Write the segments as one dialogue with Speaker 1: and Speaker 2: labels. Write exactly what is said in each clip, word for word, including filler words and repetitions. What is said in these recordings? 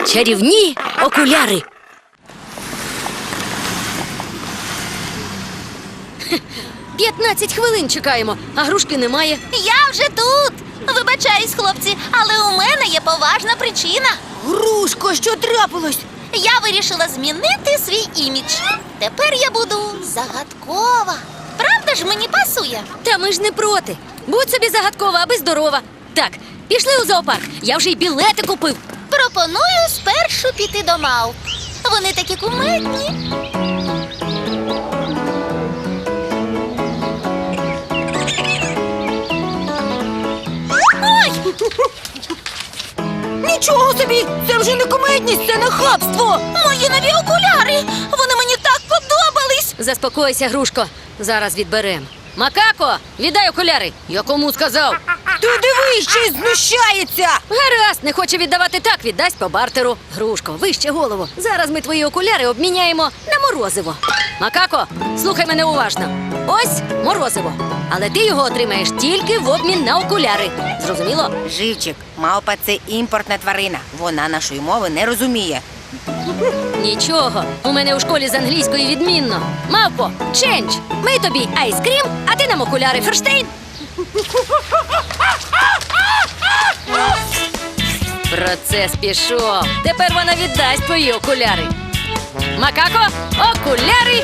Speaker 1: Чарівні окуляри. П'ятнадцять хвилин чекаємо, а грушки немає.
Speaker 2: Я вже тут. Вибачаюсь, хлопці, але у мене є поважна причина.
Speaker 1: Грушко, що трапилось?
Speaker 2: Я вирішила змінити свій імідж. Тепер я буду загадкова. Правда ж мені пасує?
Speaker 1: Та ми ж не проти. Будь собі загадкова, аби здорова. Так, пішли у зоопарк. Я вже й білети купив.
Speaker 2: Пропоную спершу піти до мавп. Вони такі кумедні. Ой!
Speaker 1: Нічого собі! Це вже не кумедність, це нахабство!
Speaker 2: Мої нові окуляри! Вони мені так подобались!
Speaker 1: Заспокойся, грушко. Зараз відберем. Макако, віддай окуляри. Я кому сказав?
Speaker 3: Ти дивись, ще й знущається!
Speaker 1: Гаразд, не хоче віддавати так, віддасть по бартеру. Грушко, вище голову. Зараз ми твої окуляри обміняємо на морозиво. Макако, слухай мене уважно. Ось морозиво. Але ти його отримаєш тільки в обмін на окуляри. Зрозуміло?
Speaker 3: Живчик, мавпа – це імпортна тварина. Вона нашої мови не розуміє.
Speaker 1: Нічого, у мене у школі з англійської відмінно. Мавпо, чендж. Ми тобі айскрім, а ти нам окуляри. Ферштейн. Процес пішов. Тепер вона віддасть твої окуляри. Макако, окуляри.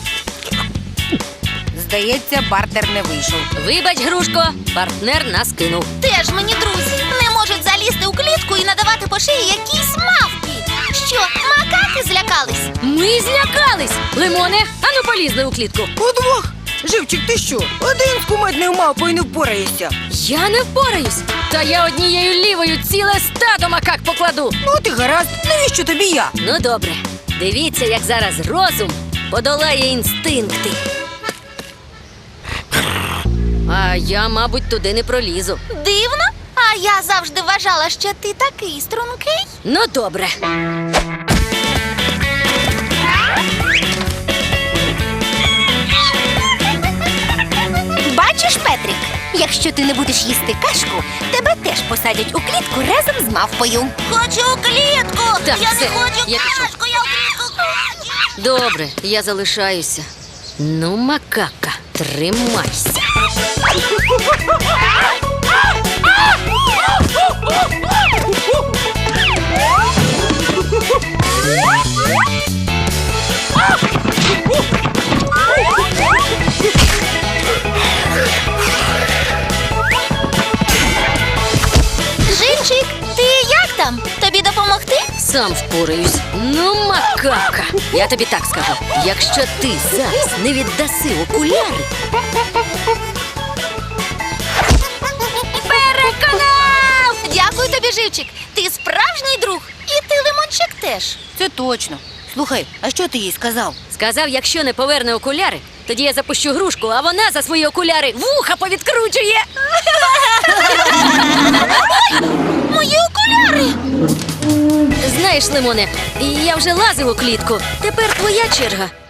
Speaker 3: Здається, бартер не вийшов.
Speaker 1: Вибач, грушко, партнер нас кинув.
Speaker 2: Теж мені друзі не можуть залізти у клітку і надавати по шиї якійсь мавпі. Що, макаки злякались?
Speaker 1: Ми злякались. Лимоне, ану полізли у клітку.
Speaker 3: Удвох! Живчик, ти що? Один з кумедною мавпою не впораєшся.
Speaker 1: Я не впораюсь. Та я однією лівою ціле стадо макак покладу.
Speaker 3: Ну ти гаразд, навіщо тобі я?
Speaker 1: Ну добре, дивіться, як зараз розум подолає інстинкти. А я, мабуть, туди не пролізу.
Speaker 2: Дивно? А я завжди вважала, що ти такий стрункий.
Speaker 1: Ну добре.
Speaker 2: Бачиш, Петрик, якщо ти не будеш їсти кашку, тебе теж посадять у клітку разом з мавпою. Хочу у клітку!
Speaker 1: Так,
Speaker 2: я
Speaker 1: все,
Speaker 2: не хочу
Speaker 1: я пішов.
Speaker 2: кашку, я у клітку хочу!
Speaker 1: Добре, я залишаюся. Ну, макака, тримайся.
Speaker 2: Живчик, ти як там? Тобі допомогти?
Speaker 1: Сам впораюсь. Ну, макака, я тобі так скажу. Якщо ти зараз не віддаси окуляри...
Speaker 2: Переконав! Дякую тобі, Живчик. Ти справжній друг. І ти, Лимончик, теж.
Speaker 3: Це точно. Слухай, а що ти їй сказав?
Speaker 1: Сказав, якщо не поверне окуляри, тоді я запущу грушку, а вона за свої окуляри вуха повідкручує.
Speaker 2: Мої окуляри!
Speaker 1: Знаєш, Лимоне, я вже лазив у клітку. Тепер твоя черга.